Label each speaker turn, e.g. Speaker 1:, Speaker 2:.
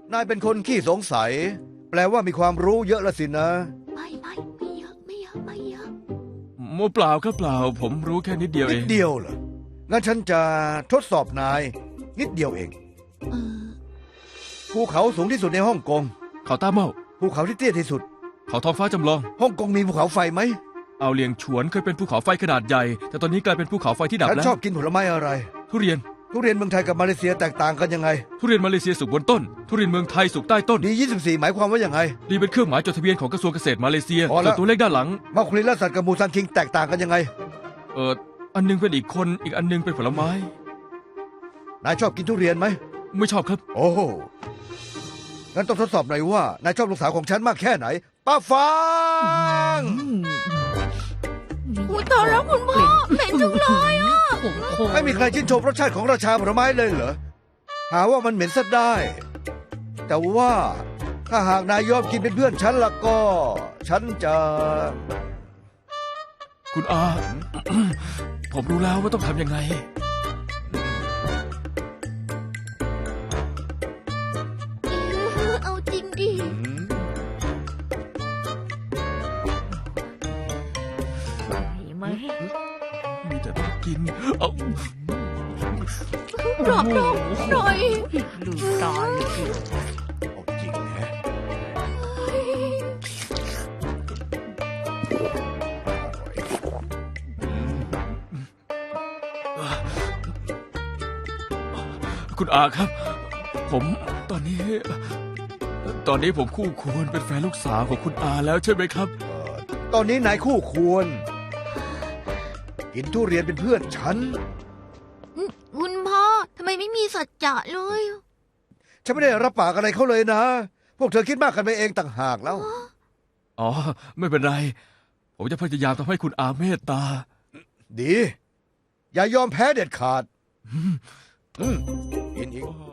Speaker 1: นายเป็นคนขี้สงสัย แปลว่ามีความรู้เยอะละสินะ
Speaker 2: ไม่เยอะไม่เยอะ
Speaker 3: โมเปล่าครับเปล่า ผมรู้แค่นิดเดียว
Speaker 1: นิ
Speaker 3: เอ
Speaker 1: ด
Speaker 3: ง
Speaker 1: เดียวเหรอ งั้นฉันจะทดสอบนาย นิดเดียวเอง
Speaker 2: เออ
Speaker 1: ภูเขาสูงที่สุดในฮ่องกง
Speaker 3: เขาต้าเมา
Speaker 1: ภูเขาที่เตี้ยที่สุด
Speaker 3: เขาท้องฟ้าจำลอง
Speaker 1: ฮ่องกงมีภูเขาไฟไหม
Speaker 3: เอาเลียงฉวนเคยเป็นภูเขาไฟขนาดใหญ่ แต่ตอนนี้กลายเป็นภูเขาไฟที่ดับ
Speaker 1: ฉัน
Speaker 3: แล้
Speaker 1: ช
Speaker 3: ว
Speaker 1: อบกินผลไม้อะไร
Speaker 3: ทุเรียน
Speaker 1: ทุเรียนเมืองไทยกับมาเลเซียแตกต่างกันยังไง
Speaker 3: ทุเรียนมาเลเซียสุกบนต้น ทุเรียนเมืองไทยสุกใต้ต้น
Speaker 1: ดี24หมายความว่ายังไง
Speaker 3: ดีเป็นเครื่องหมายจดทะเบียนของกระทรวงเกษตรมาเลเซีย
Speaker 1: พอแล้ว
Speaker 3: ส่วนตัวเลขด้านหลัง
Speaker 1: มาคุรินและสัตว์กับมูซันคิงแตกต่างกันยังไง
Speaker 3: อันหนึงเป็นอีกคน อีกอันหนึงเป็นผลไม้
Speaker 1: นายชอบกินทุเรียนไหม
Speaker 3: ไม่ชอบครับ
Speaker 1: โอ้โหงั้นต้องทดสอบหน่อยว่า นายชอบลูกสาวของฉันมากแค่ไหน ป้าฟาง
Speaker 2: อุ้ยตายแล้วคุณพ่อเหม็นจังเลยอ่ะ
Speaker 1: ไม่มีใครชื่นชมรสชาติของราชาผลไม้เลยเหรอ หาว่ามันเหม็นซะได้ แต่ว่าถ้าหากนายยอมกินเป็นเพื่อนฉันละก็ ฉันจะ
Speaker 3: คุณอา ผมรู้แล้วว่าต้องทำยังไง
Speaker 2: เอาจริงดิ
Speaker 3: มีแต่ต้องกิน เอา
Speaker 2: ปลอบหน่อย
Speaker 4: ลืมตาย
Speaker 1: เอาจริงแฮะ
Speaker 3: คุณอาครับ ผมตอนนี้ผมคู่ควรเป็นแฟนลูกสาวของคุณอาแล้วใช่ไหมครับ
Speaker 1: ตอนนี้นายคู่ควร กินทุเรียนเป็นเพื่อนฉัน
Speaker 2: คุณพ่อทำไมไม่มีสัจจะเลย
Speaker 1: ฉันไม่ได้รับปากอะไรเขาเลยนะ พวกเธอคิดมากกันไปเองต่างหากแล้ว
Speaker 3: อ๋อ ไม่เป็นไร ผมจะพยายามทำให้คุณอาเมตตา
Speaker 1: ดี อย่ายอมแพ้เด็ดขาด กินอีก